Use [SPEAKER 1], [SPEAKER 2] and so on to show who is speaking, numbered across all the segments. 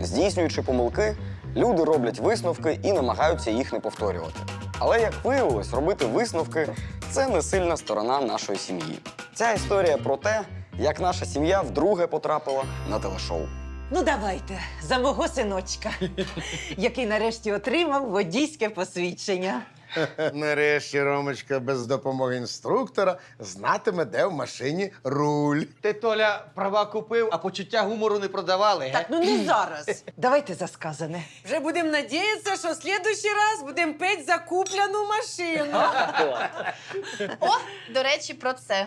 [SPEAKER 1] Здійснюючи помилки, люди роблять висновки і намагаються їх не повторювати. Але, як виявилось, робити висновки – це не сильна сторона нашої сім'ї. Ця історія про те, як наша сім'я вдруге потрапила на телешоу.
[SPEAKER 2] Ну, давайте, за мого синочка, який нарешті отримав водійське посвідчення.
[SPEAKER 3] Нарешті Ромочка без допомоги інструктора знатиме, де в машині руль.
[SPEAKER 4] Ти, Толя, права купив, а почуття гумору не продавали, ге?
[SPEAKER 2] Так, ну не зараз. Давайте за сказане.
[SPEAKER 5] Вже будемо надіятися, що в следующий раз будемо петь за куплену машину.
[SPEAKER 6] О, до речі, про це.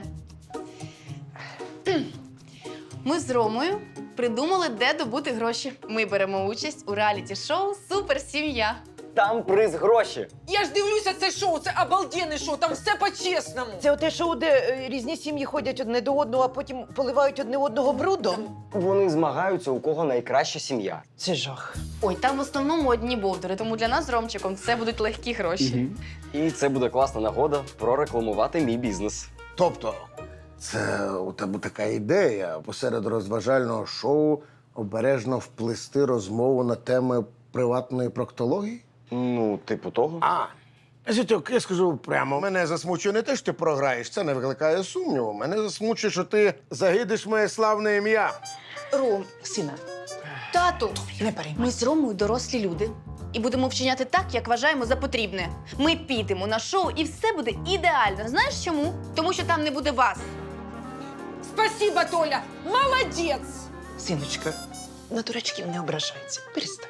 [SPEAKER 6] Ми з Ромою придумали, де добути гроші. Ми беремо участь у реаліті-шоу «Суперсім'я».
[SPEAKER 1] Там приз гроші.
[SPEAKER 5] Я ж дивлюся це шоу, це обалденне шоу, там все по-чесному.
[SPEAKER 2] Це оте шоу, де різні сім'ї ходять одне до одного, а потім поливають одне одного брудом?
[SPEAKER 1] Вони змагаються, у кого найкраща сім'я.
[SPEAKER 2] Це жах.
[SPEAKER 6] Ой, там в основному одні бовдури, тому для нас з Ромчиком це будуть легкі гроші.
[SPEAKER 1] І це буде класна нагода прорекламувати мій бізнес.
[SPEAKER 3] Тобто, це у тебе така ідея посеред розважального шоу обережно вплести розмову на теми приватної проктології?
[SPEAKER 1] Ну, типу того.
[SPEAKER 3] Зятьок, я скажу прямо, мене засмучує не те, що ти програєш, це не викликає сумніву. Мене засмучує, що ти загидиш моє славне ім'я.
[SPEAKER 6] Ром,
[SPEAKER 2] Сина,
[SPEAKER 6] тату,
[SPEAKER 2] не переймай.
[SPEAKER 6] ми з Ромою дорослі люди. І будемо вчиняти так, як вважаємо за потрібне. Ми підемо на шоу, і все буде ідеально. Знаєш чому? Тому що там не буде вас.
[SPEAKER 5] Спасибо, Толя, молодець!
[SPEAKER 2] Синочка, на дурачків не ображайся. Перестань.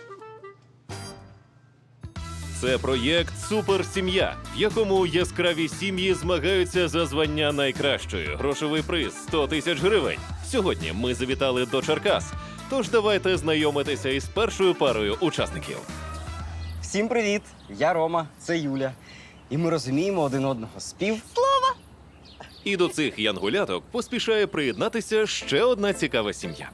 [SPEAKER 7] Це проєкт «Суперсім'я», в якому яскраві сім'ї змагаються за звання найкращої. Грошовий приз – 100 тисяч гривень. Сьогодні ми завітали до Черкас. Тож давайте знайомитися із першою парою учасників.
[SPEAKER 1] Всім привіт! Я Рома, це Юля. І ми розуміємо один одного з пів.
[SPEAKER 7] І до цих янгуляток поспішає приєднатися ще одна цікава сім'я.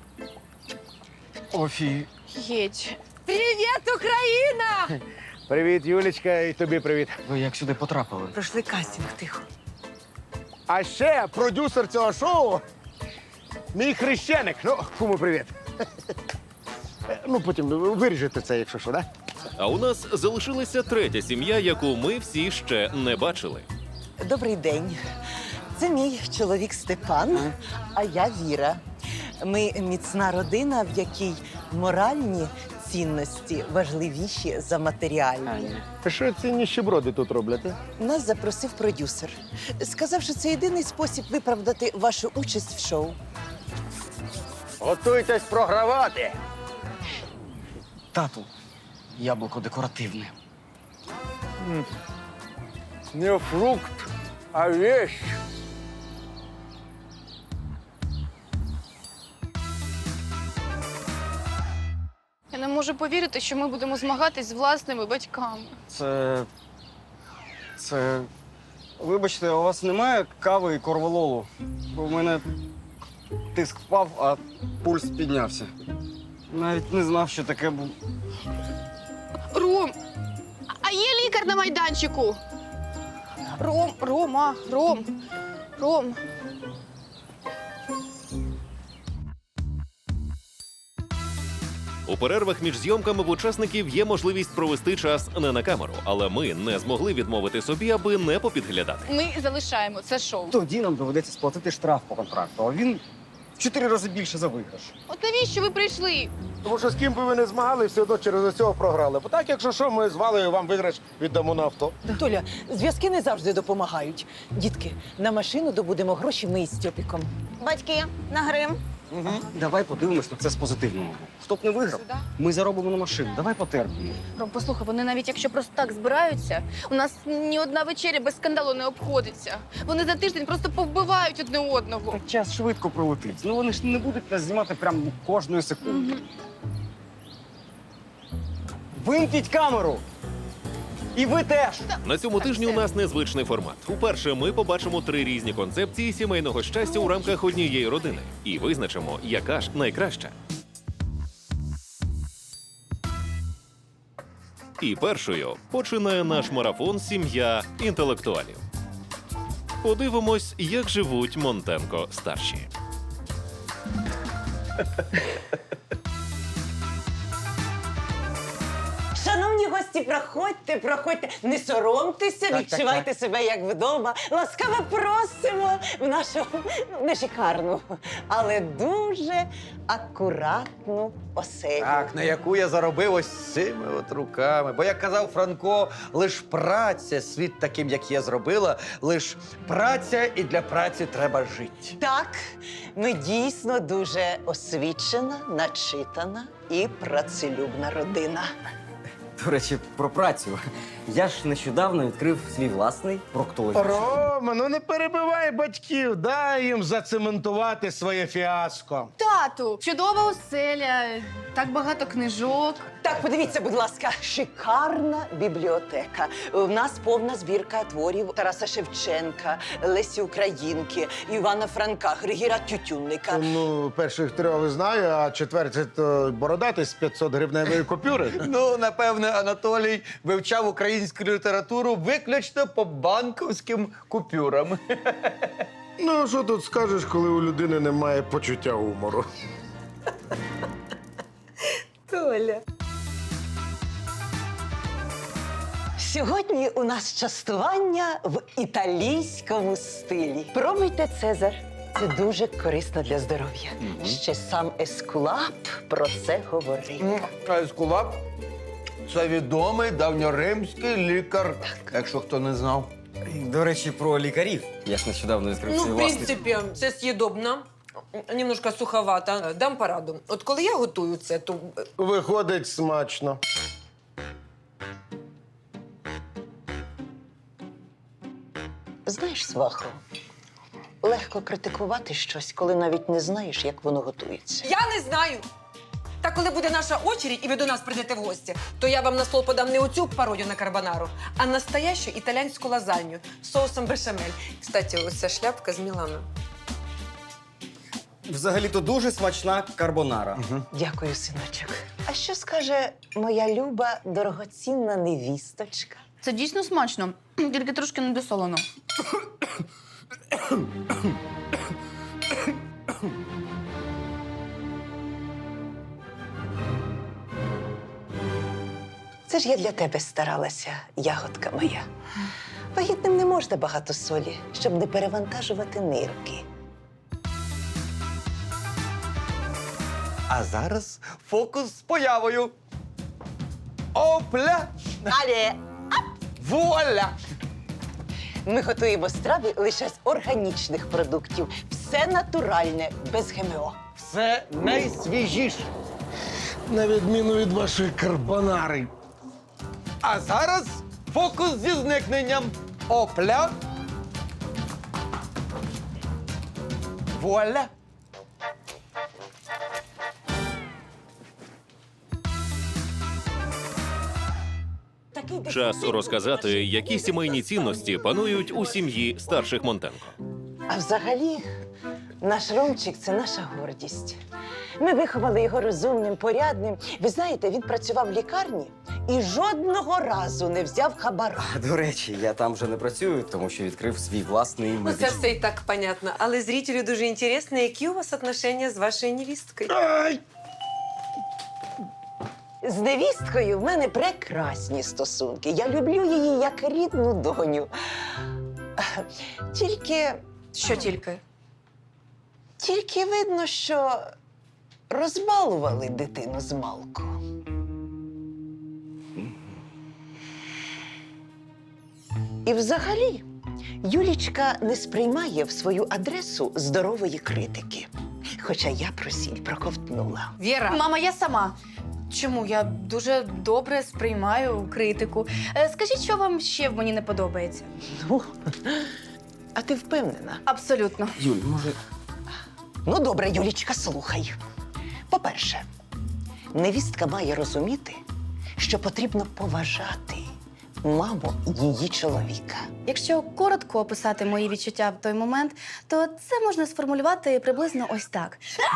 [SPEAKER 6] Геть.
[SPEAKER 5] Привіт, Україна!
[SPEAKER 3] Привіт, Юлічка, і тобі привіт.
[SPEAKER 1] Ви як сюди потрапили?
[SPEAKER 2] Пройшли кастинг, тихо.
[SPEAKER 3] А ще продюсер цього шоу – мій хрещеник. Ну, кому привіт. Ну, потім виріжете це, якщо що, да?
[SPEAKER 7] А у нас залишилася третя сім'я, яку ми всі ще не бачили.
[SPEAKER 2] Добрий день. Це мій чоловік Степан, а я Віра. Ми міцна родина, в якій моральні цінності важливіші за матеріальні.
[SPEAKER 3] Що ці ніщеброди тут роблять?
[SPEAKER 2] Нас запросив продюсер. Сказав, що це єдиний спосіб виправдати вашу участь в шоу.
[SPEAKER 3] Готуйтесь програвати.
[SPEAKER 1] Тату, яблуко декоративне.
[SPEAKER 3] Не фрукт, а вещь.
[SPEAKER 6] Я не можу повірити, що ми будемо змагатись з власними батьками.
[SPEAKER 1] Це... Вибачте, у вас немає кави і корвалолу? Бо в мене тиск впав, а пульс піднявся. Навіть не знав, що таке було.
[SPEAKER 6] Ром, а є лікар на майданчику? Ром.
[SPEAKER 7] У перервах між зйомками в учасників є можливість провести час не на камеру, але ми не змогли відмовити собі, аби не попідглядати.
[SPEAKER 6] Ми залишаємо це шоу.
[SPEAKER 1] Тоді нам доведеться сплатити штраф по контракту, а він в 4 рази більше за виграш.
[SPEAKER 6] От навіщо ви прийшли?
[SPEAKER 3] Тому що з ким би ви не змагали, все одно через цього програли. Бо так, якщо що, ми з Валею вам виграш віддамо на авто.
[SPEAKER 2] Толя, зв'язки не завжди допомагають. Дітки, на машину добудемо гроші ми із Стьопіком. Батьки, на грим.
[SPEAKER 1] Давай подивимось на це з позитивного боку. Хто б не виграв,
[SPEAKER 6] Сюди.
[SPEAKER 1] ми заробимо на машину. Давай потерпимо.
[SPEAKER 6] Ром, послухай, вони навіть якщо просто так збираються, у нас ні одна вечеря без скандалу не обходиться. Вони за тиждень просто повбивають одне одного.
[SPEAKER 1] Так час швидко пролетить. Ну вони ж не будуть нас знімати прямо кожної секунди. Вимкніть камеру! І ви теж!
[SPEAKER 7] На цьому тижні у нас незвичний формат. Уперше ми побачимо 3 різні концепції сімейного щастя у рамках однієї родини і визначимо, яка ж найкраща. І першою починає наш марафон «Сім'я інтелектуалів». Подивимось, як живуть Монтенко-старші.
[SPEAKER 2] Шановні гості, проходьте, проходьте. Не соромтеся, відчувайте себе як вдома. Ласкаво просимо в нашу не шикарну, але дуже акуратну оселю.
[SPEAKER 4] Так, на яку я заробив ось цими от руками. Бо, як казав Франко, лиш праця, світ таким, як я зробила, лиш праця, і для праці треба жити.
[SPEAKER 2] Так, ми дійсно дуже освічена, начитана і працелюбна родина.
[SPEAKER 1] До речі, про працю. Я ж нещодавно відкрив свій власний проктологічний.
[SPEAKER 3] Рома, ну не перебивай батьків, дай їм зацементувати своє фіаско.
[SPEAKER 6] Тату, чудова оселя, так багато книжок.
[SPEAKER 2] Так, подивіться, будь ласка, шикарна бібліотека. У нас повна збірка творів Тараса Шевченка, Лесі Українки, Івана Франка, Григора Тютюнника.
[SPEAKER 3] Ну, перших трьох знаю, а четвертий – то бородатий з 500-гривневої купюри.
[SPEAKER 4] Ну, напевне, Анатолій вивчав українську літературу виключно по банківським купюрам.
[SPEAKER 3] Ну, що тут скажеш, коли у людини немає почуття гумору?
[SPEAKER 2] Толя. Сьогодні у нас частування в італійському стилі. Пробуйте Цезар. Це дуже корисно для здоров'я. Ще сам Ескулап про це говорив.
[SPEAKER 4] А Ескулап – це відомий давньоримський лікар, якщо хто не знав.
[SPEAKER 1] До речі, про лікарів. Я ж нещодавно відкрив
[SPEAKER 5] Ну,
[SPEAKER 1] свій
[SPEAKER 5] в
[SPEAKER 1] власний.
[SPEAKER 5] принципі, це з'їдобно. Немножко суховато. Дам пораду. От коли я готую це, то
[SPEAKER 3] Виходить смачно.
[SPEAKER 2] Знаєш, свахо, легко критикувати щось, коли навіть не знаєш, як воно готується.
[SPEAKER 5] я не знаю. Та коли буде наша очередь і ви до нас прийдете в гості, то я вам на стол подам не оцю пародію на карбонару, а настоящу італійську лазанью з соусом бешамель. Кстати, ось ця шляпка з Мілана.
[SPEAKER 1] Взагалі-то дуже смачна карбонара.
[SPEAKER 2] Дякую, синочок. А що скаже моя люба, дорогоцінна невісточка?
[SPEAKER 6] Це дійсно смачно, тільки трошки недосолено.
[SPEAKER 2] Це ж я для тебе старалася, ягодка моя. Вагітним не можна багато солі, щоб не перевантажувати нирки.
[SPEAKER 4] А зараз фокус з появою. Опля!
[SPEAKER 2] Але
[SPEAKER 4] Вуаля!
[SPEAKER 2] ми готуємо страви лише з органічних продуктів. Все натуральне, без ГМО.
[SPEAKER 4] Все найсвіжіше.
[SPEAKER 3] На відміну від вашої карбонари.
[SPEAKER 4] А зараз фокус зі зникненням. Опля. Вуаля.
[SPEAKER 7] Час розказати, які сімейні цінності панують у сім'ї старших Монтенко.
[SPEAKER 2] А взагалі, наш Ромчик – це наша гордість. Ми виховали його розумним, порядним. Ви знаєте, він працював в лікарні і жодного разу не взяв хабара.
[SPEAKER 1] До речі, я там вже не працюю, тому що відкрив свій власний
[SPEAKER 5] Ну, це
[SPEAKER 1] медичний.
[SPEAKER 5] все і так понятно. Але зрителю дуже інтересно, які у вас отношення з вашою невісткою.
[SPEAKER 2] З невісткою в мене прекрасні стосунки. Я люблю її як рідну доню. Тільки
[SPEAKER 6] Що тільки?
[SPEAKER 2] видно, що розбалували дитину змалку. І взагалі, Юлічка не сприймає в свою адресу здорової критики. Хоча я про сіль проковтнула.
[SPEAKER 5] Віра,
[SPEAKER 6] Мама, я сама. Чому? Я дуже добре сприймаю критику. Скажіть, що вам ще в мені не подобається?
[SPEAKER 2] Ну, а ти впевнена?
[SPEAKER 6] Абсолютно.
[SPEAKER 1] Юль, може,
[SPEAKER 2] Ну, добре, Юлічка, слухай. По-перше, невістка має розуміти, що потрібно поважати маму її чоловіка.
[SPEAKER 6] Якщо коротко описати мої відчуття в той момент, то це можна сформулювати приблизно ось так.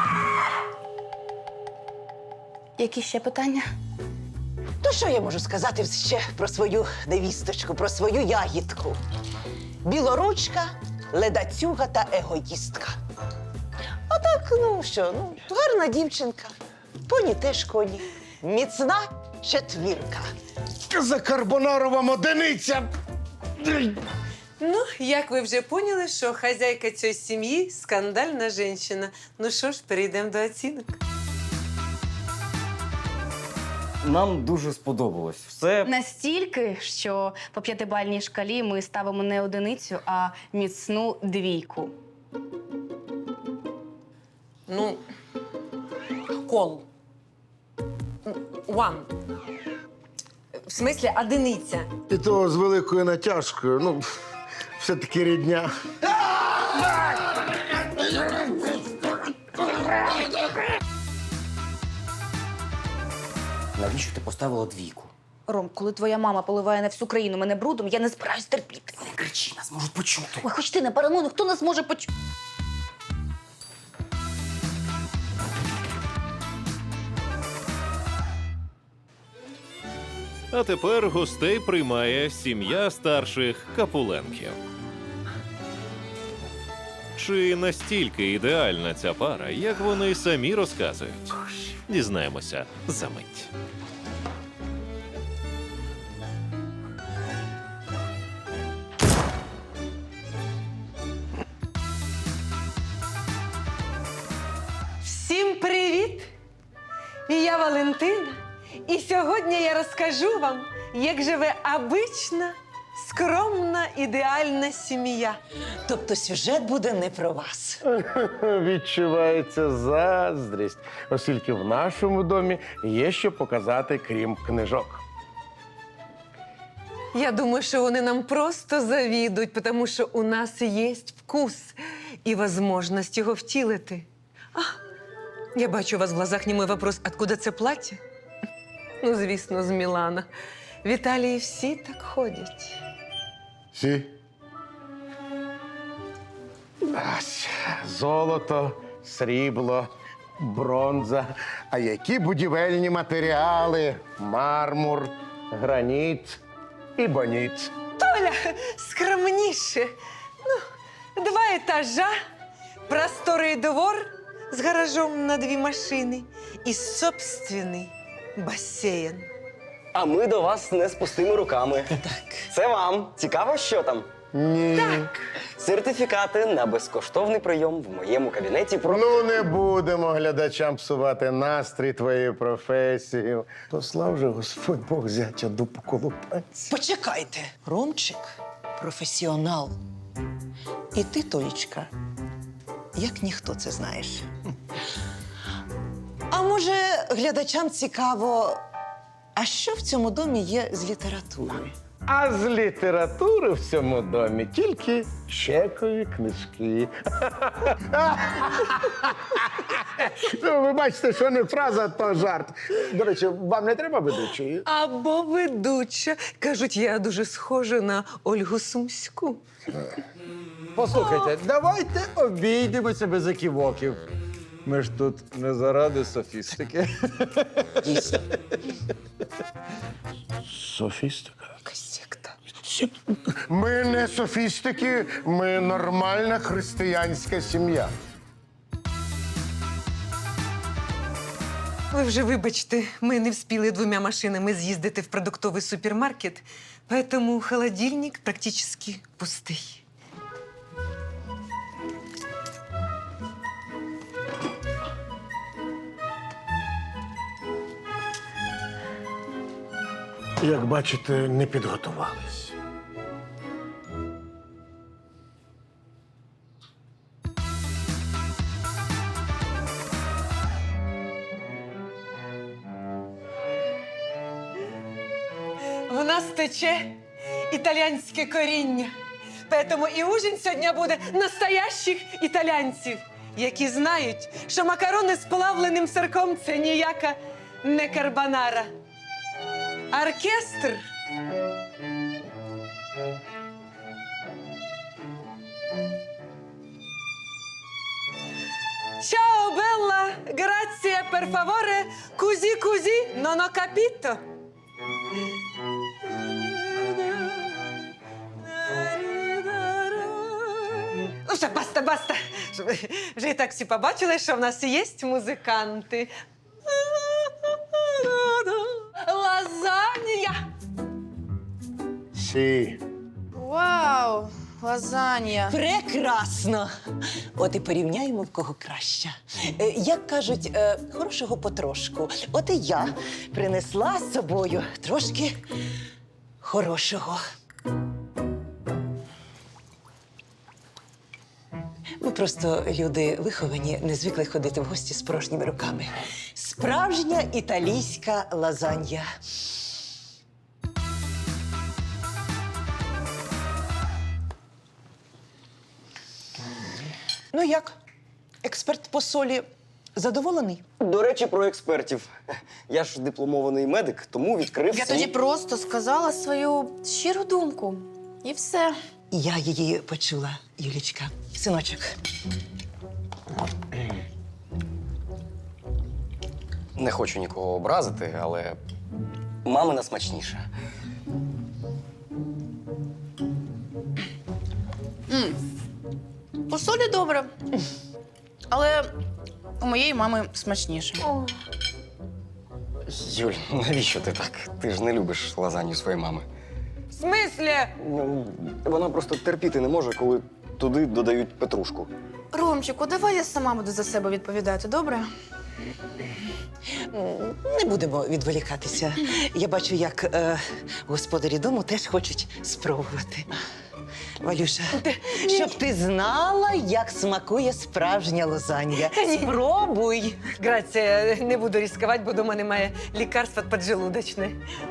[SPEAKER 6] Які ще питання?
[SPEAKER 2] То що я можу сказати ще про свою невісточку, про свою ягідку? Білоручка, ледацюга та егоїстка. А так, ну що, гарна дівчинка. Поні теж коні. Міцна четвірка.
[SPEAKER 3] закарбонарова одиниця.
[SPEAKER 5] Ну, як ви вже поняли, що хазяйка цієї сім'ї скандальна жінка. Ну що ж, перейдемо до оцінок.
[SPEAKER 1] Нам дуже сподобалось. Все
[SPEAKER 6] Настільки, що по 5-бальній шкалі ми ставимо не одиницю, а міцну 2.
[SPEAKER 5] Ну, кол. One. В смислі, одиниця.
[SPEAKER 3] І то з великою натяжкою. Ну, все-таки рідня.
[SPEAKER 1] навіщо ти поставила 2?
[SPEAKER 6] Ром, коли твоя мама поливає на всю країну мене брудом, я не збираюсь терпіти.
[SPEAKER 1] Не кричи, нас можуть почути.
[SPEAKER 6] Ой, хоч ти не паранойно, хто нас може почути?
[SPEAKER 7] А тепер гостей приймає сім'я старших Капуленків. Чи настільки ідеальна ця пара, як вони самі розказують? Дізнаємося за мить.
[SPEAKER 5] Всім привіт! Я Валентина. І сьогодні я розкажу вам, як живе обична, скромна, ідеальна сім'я.
[SPEAKER 2] Тобто сюжет буде не про вас.
[SPEAKER 3] Відчувається заздрість, оскільки в нашому домі є що показати, крім книжок.
[SPEAKER 5] Я думаю, що вони нам просто завідують, тому що у нас є вкус і можливість його втілити. Я бачу у вас в глазах немой вопрос, откуда це плаття? Ну, звісно, з Мілана. В Італії всі так ходять.
[SPEAKER 3] Сі? Ась, золото, срібло, бронза. А які будівельні матеріали? Мармур, граніт і боніт.
[SPEAKER 5] Толя, скромніше. Ну, 2 етажа, просторий двор з гаражом на 2 машини і собственний басейн.
[SPEAKER 1] А ми до вас не з пустими руками. Так. Це вам. Цікаво, що там?
[SPEAKER 3] Ні.
[SPEAKER 5] Так.
[SPEAKER 1] Сертифікати на безкоштовний прийом в моєму кабінеті про...
[SPEAKER 3] Ну, не будемо глядачам псувати настрій твоєю професією. Послав же Господь Бог зятя дупу колупанця.
[SPEAKER 2] Почекайте. Ромчик професіонал. І ти, Толічка, як ніхто це знаєш. А може, глядачам цікаво, а що в цьому домі є з літератури?
[SPEAKER 3] А з літератури в цьому домі тільки чекові книжки. Ну, ви бачите, що не фраза, то жарт. До речі, вам не треба ведучої?
[SPEAKER 5] Або ведуча. Кажуть, я дуже схожа на Ольгу Сумську.
[SPEAKER 4] Послухайте, давайте обійдемося без еківоків. Ми ж тут не заради софістики.
[SPEAKER 2] Дійсно.
[SPEAKER 3] Софістика?
[SPEAKER 5] Якась секта.
[SPEAKER 3] Ми не софістики, ми нормальна християнська сім'я.
[SPEAKER 5] Ви вже вибачте, ми не вспіли 2 машинами з'їздити в продуктовий супермаркет, поэтому холодильник практично пустий.
[SPEAKER 3] Як бачите, не підготувались.
[SPEAKER 5] В нас тече італійське коріння. Поэтому і ужин сьогодні буде настоящих італійців, які знають, що макарони з плавленим сирком – це ніяка не карбонара. Оркестр. Ciao bella, grazie per favore, così, non ho capito. Ну все, баста. Вже і так всі побачили, що в нас є музиканти. Лазанья.
[SPEAKER 3] Сі.
[SPEAKER 6] Вау, лазанья.
[SPEAKER 2] Прекрасно! От і порівняємо, в кого краща. Як кажуть, хорошого потрошку. От і я принесла з собою трошки хорошого. Ми просто люди виховані, не звикли ходити в гості з порожніми руками. Справжня італійська лазанья. Ну як? Експерт по солі задоволений?
[SPEAKER 1] До речі, про експертів. Я ж дипломований медик, тому відкрив
[SPEAKER 6] Я
[SPEAKER 1] свій...
[SPEAKER 6] тоді просто сказала свою щиру думку. І все.
[SPEAKER 2] Я її почула, Юлічка. Синочок.
[SPEAKER 1] Не хочу нікого образити, але мамина смачніша.
[SPEAKER 6] По солі добре. Але у моєї мами смачніше.
[SPEAKER 1] Юль, навіщо ти так? Ти ж не любиш лазанью своєї мами.
[SPEAKER 5] В смислі?
[SPEAKER 1] Ну, вона просто терпіти не може, коли туди додають петрушку.
[SPEAKER 6] Ромчику, давай я сама буду за себе відповідати, добре?
[SPEAKER 2] Не будемо відволікатися. Я бачу, як господарі дому теж хочуть спробувати. Валюша, щоб ти знала, як смакує справжня лазанья. Спробуй.
[SPEAKER 5] Грація, не буду ризикувати, бо дома немає лікарства поджелудочне.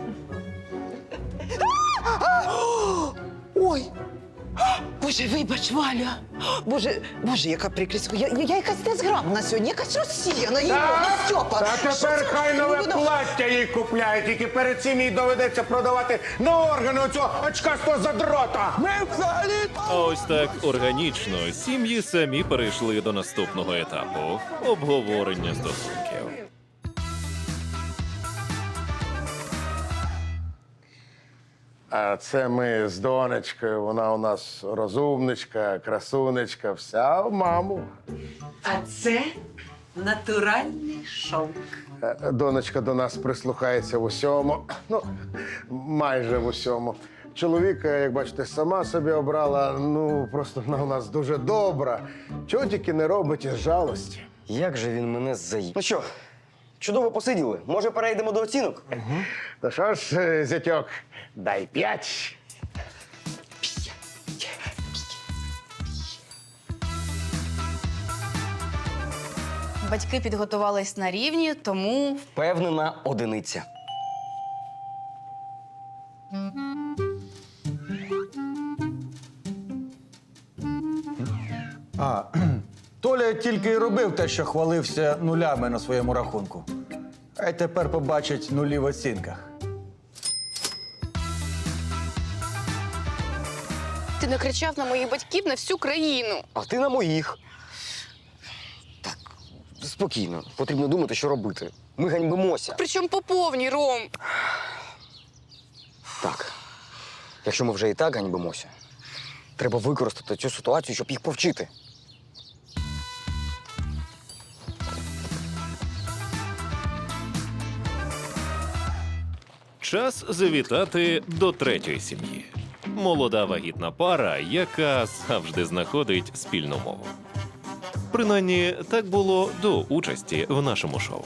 [SPEAKER 2] Ой! Боже, вибач, Валя! Боже, яка прикрість. Я якась незграбна сьогодні, якась розсіяна. Стьопа!
[SPEAKER 3] Та тепер хай нове плаття їй купляють, тільки перед цим їй доведеться продавати на органи оцього очкастого задрота. Ми взагалі...
[SPEAKER 7] А ось так органічно сім'ї самі перейшли до наступного етапу обговорення стосунків.
[SPEAKER 3] А це ми з донечкою, вона у нас розумничка, красунечка, вся в маму.
[SPEAKER 2] А це натуральний шовк.
[SPEAKER 3] Донечка до нас прислухається в усьому, ну, майже в усьому. Чоловіка, як бачите, сама собі обрала, ну, просто вона у нас дуже добра. Чого тільки не робить із жалості.
[SPEAKER 1] Як же він мене заїв? Ну що, чудово посиділи. Може, перейдемо до оцінок?
[SPEAKER 3] Та що ж, зятьок, дай 5.
[SPEAKER 6] Батьки підготувались на рівні, тому
[SPEAKER 1] Впевнена одиниця.
[SPEAKER 4] Толя тільки й робив те, що хвалився нулями на своєму рахунку. А й тепер побачить нулі в оцінках.
[SPEAKER 8] Ти накричав на моїх батьків на всю країну.
[SPEAKER 1] А ти на моїх. Так, спокійно. Потрібно думати, що робити. Ми ганьбимося.
[SPEAKER 8] Причому по повній, Ром.
[SPEAKER 1] Так. Якщо ми вже і так ганьбимося, треба використати цю ситуацію, щоб їх повчити.
[SPEAKER 7] Час завітати до третьої сім'ї. Молода вагітна пара, яка завжди знаходить спільну мову. Принаймні, так було до участі в нашому шоу.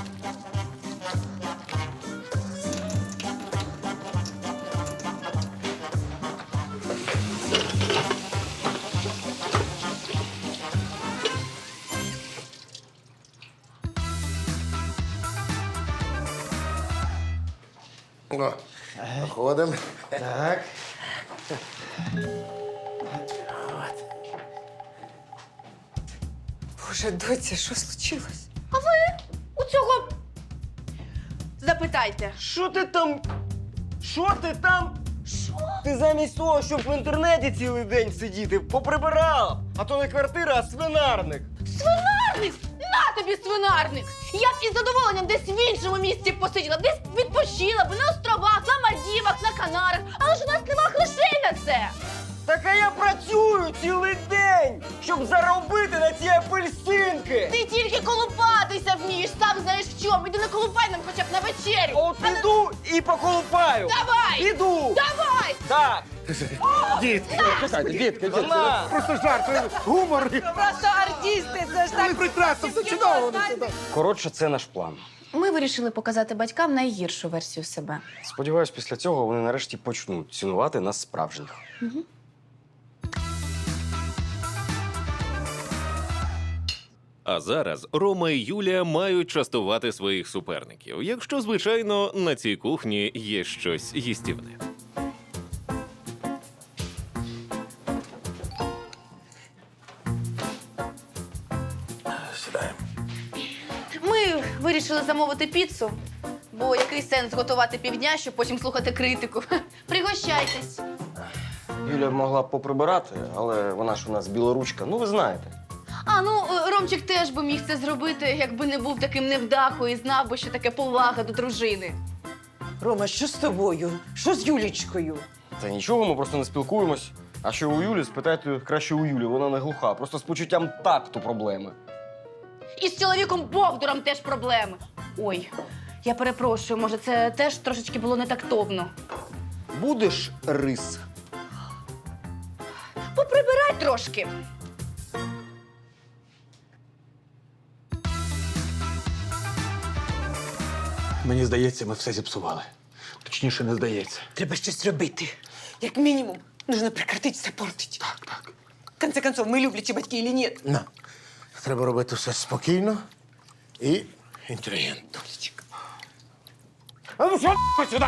[SPEAKER 3] О, заходимо.
[SPEAKER 4] Так.
[SPEAKER 5] Боже, доця, що случилось?
[SPEAKER 6] у цього запитайте.
[SPEAKER 1] Що ти там? Що ти там? Що? Ти замість того, щоб в інтернеті цілий день сидіти, поприбирав. А то не квартира, а свинарник.
[SPEAKER 6] Свинарник! На тобі свинарник! Я б із задоволенням десь в іншому місці посиділа, десь відпочила б на островах, на Мальдівах, на Канарах. Але ж у нас нема грошей на це!
[SPEAKER 1] Так а я працюю цілий день, щоб заробити на ці апельсинки.
[SPEAKER 6] Ти тільки колупатися вмієш, сам знаєш в чому. Іди не колупай нам хоча б на вечерю.
[SPEAKER 1] От піду і поколупаю.
[SPEAKER 6] Давай!
[SPEAKER 1] Піду.
[SPEAKER 6] Давай!
[SPEAKER 1] Так.
[SPEAKER 3] Дітки, чекайте, дітки,
[SPEAKER 1] Вона.
[SPEAKER 3] просто жарт, гумор.
[SPEAKER 5] Просто артисти, це ж
[SPEAKER 3] Ви прекрасно, все чудово.
[SPEAKER 1] Коротше, це наш план.
[SPEAKER 6] Ми вирішили показати батькам найгіршу версію себе.
[SPEAKER 1] Сподіваюсь, після цього вони нарешті почнуть цінувати нас справжніх.
[SPEAKER 7] А зараз Рома і Юлія мають частувати своїх суперників, якщо, звичайно, на цій кухні є щось їстівне.
[SPEAKER 6] Ми вирішили замовити піцу, бо який сенс готувати півдня, щоб потім слухати критику. Пригощайтесь.
[SPEAKER 1] Юля могла б поприбирати, але вона ж у нас білоручка, ну ви знаєте.
[SPEAKER 6] А, ну, Ромчик теж би міг це зробити, якби не був таким невдахою і знав би, що таке повага до дружини.
[SPEAKER 2] Рома, що з тобою? Що з Юлічкою?
[SPEAKER 1] Та нічого, ми просто не спілкуємось. А що у Юлі, спитайте краще у Юлі, вона не глуха, просто з почуттям такту проблеми.
[SPEAKER 6] І з чоловіком Бовдуром теж проблеми. Ой, я перепрошую, може, це теж трошечки було не тактовно.
[SPEAKER 1] Будеш рис?
[SPEAKER 6] Поприбирай трошки.
[SPEAKER 9] Мені здається, ми все зіпсували. Точніше, не здається.
[SPEAKER 2] Треба щось робити.
[SPEAKER 5] Як мінімум, нужно прекратить це портить.
[SPEAKER 9] Так.
[SPEAKER 5] В конце концов, ми люблячі батьки или ні?
[SPEAKER 3] На. Треба робити все спокійно і інтелігентно. А ну що сюди?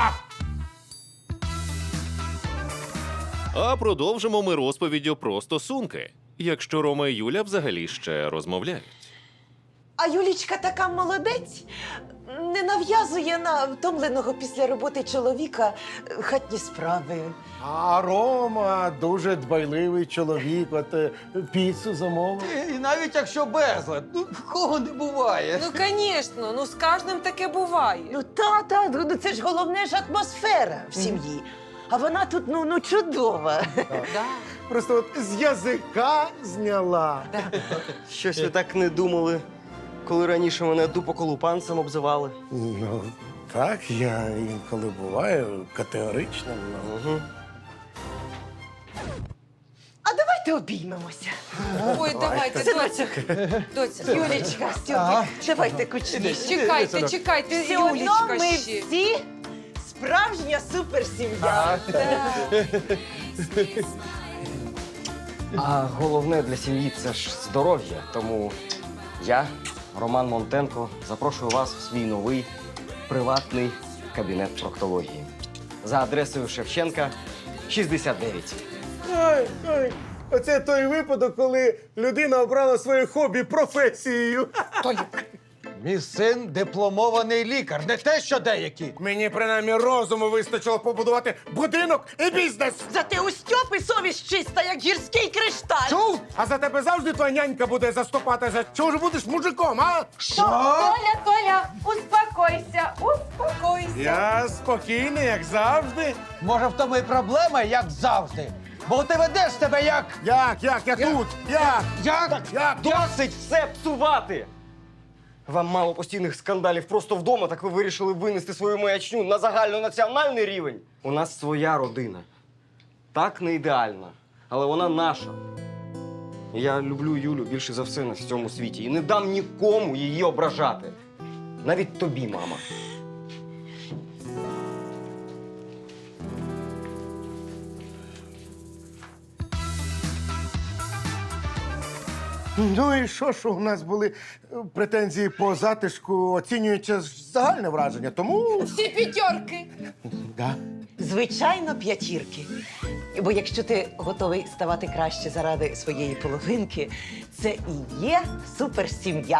[SPEAKER 7] А продовжимо ми розповіддю про стосунки, якщо Рома і Юля взагалі ще розмовляють.
[SPEAKER 2] А Юлічка така молодець, не нав'язує на втомленого після роботи чоловіка хатні справи.
[SPEAKER 3] А Рома дуже дбайливий чоловік, от піцу замовив.
[SPEAKER 4] І навіть якщо безлад, ну в кого не буває.
[SPEAKER 5] Ну, звісно, ну з кожним таке буває.
[SPEAKER 2] Ну ну це ж головне ж атмосфера в сім'ї. А вона тут ну чудова.
[SPEAKER 5] Да.
[SPEAKER 3] Просто от з язика зняла.
[SPEAKER 1] Щось ви так не думали, коли раніше мене дупоколупанцем обзивали.
[SPEAKER 3] Ну, так, я інколи буваю категоричним.
[SPEAKER 1] Угу.
[SPEAKER 2] А давайте обіймемося.
[SPEAKER 5] Ой, давайте, доця. Доця.
[SPEAKER 2] Юлічка, Стьопик, давайте кучніше.
[SPEAKER 5] Чекайте,
[SPEAKER 2] Все одно
[SPEAKER 5] Юлічка
[SPEAKER 2] ми
[SPEAKER 5] ще.
[SPEAKER 2] всі справжня суперсім'я.
[SPEAKER 1] А головне для сім'ї це ж здоров'я. Тому я, Роман Монтенко, запрошую вас в свій новий приватний кабінет проктології. За адресою Шевченка, 69.
[SPEAKER 3] Ой, оце той випадок, коли людина обрала своє хобі професією.
[SPEAKER 4] Мій син дипломований лікар, не те, що деякі.
[SPEAKER 3] Мені принаймні розуму вистачило побудувати будинок і бізнес.
[SPEAKER 2] Зате у Стьопи совість чиста, як гірський кришталь.
[SPEAKER 3] Чув? А за тебе завжди твоя нянька буде заступатися. Чого ж будеш мужиком, а?
[SPEAKER 6] Толя, успокойся, успокойся.
[SPEAKER 3] Я спокійний, як завжди.
[SPEAKER 4] Може, в тому і проблема, як завжди. Бо ти ведеш себе як.
[SPEAKER 3] Як? Я тут. Як?
[SPEAKER 1] Досить все псувати! Вам мало постійних скандалів просто вдома, так ви вирішили винести свою маячню на загальнонаціональний рівень. У нас своя родина. Так, не ідеальна, але вона наша. Я люблю Юлю більше за все на цьому світі і не дам нікому її ображати. Навіть тобі, мама.
[SPEAKER 3] Ну і що у нас були претензії по затишку, оцінюється загальне враження, тому...
[SPEAKER 5] Всі п'ятерки.
[SPEAKER 3] Да.
[SPEAKER 2] Звичайно, п'ятірки. Бо якщо ти готовий ставати краще заради своєї половинки, це і є суперсім'я.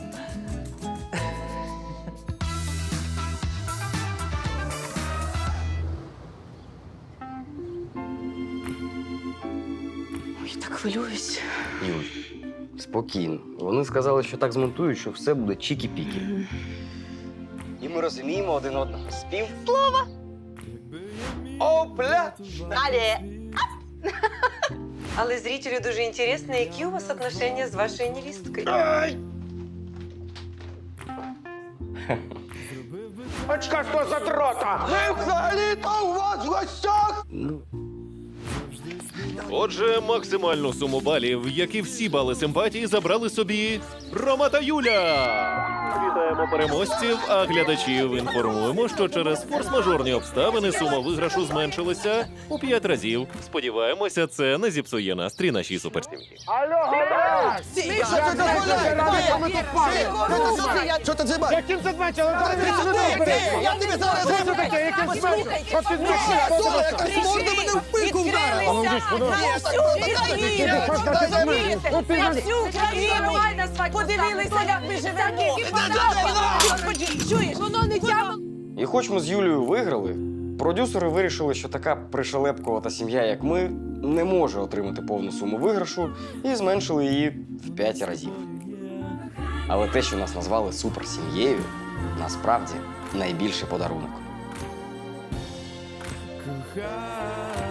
[SPEAKER 5] Ой, так хвилююсь.
[SPEAKER 1] Юль, спокійно. Вони сказали, що так змонтують, що все буде чікі-пікі. І ми розуміємо один одного. Спів. Слова. Опля!
[SPEAKER 2] Але
[SPEAKER 5] Але зрителю дуже інтересно, які у вас отношения з вашою невісткою.
[SPEAKER 3] Очка що за дрота?
[SPEAKER 4] Ми взагалі-то у вас в гостях!
[SPEAKER 7] Отже, максимальну суму балів, як і всі бали симпатії, забрали собі Рома та Юля. Вітаємо переможців, а глядачів інформуємо, що через форс-мажорні обставини сума виграшу зменшилася у 5 разів. Сподіваємося, це не зіпсує настрій нашій суперсім'ї.
[SPEAKER 3] Алло, гараж!
[SPEAKER 4] Що ти дзибаєш?
[SPEAKER 3] Яким це зменшило? Я тобі зараз... Що це таке? Яким зменшило? Що ти зменшило?
[SPEAKER 4] Якась морда мене в пику вдарила!
[SPEAKER 2] На всю Україну подивилися, як ми живемо. Чуєш, воно не тягне.
[SPEAKER 1] І хоч ми з Юлією виграли, продюсери вирішили, що така пришелепкувата сім'я, як ми, не може отримати повну суму виграшу і зменшили її в 5 разів. Але те, що нас назвали суперсім'єю, насправді найбільший подарунок.
[SPEAKER 10] Кохай.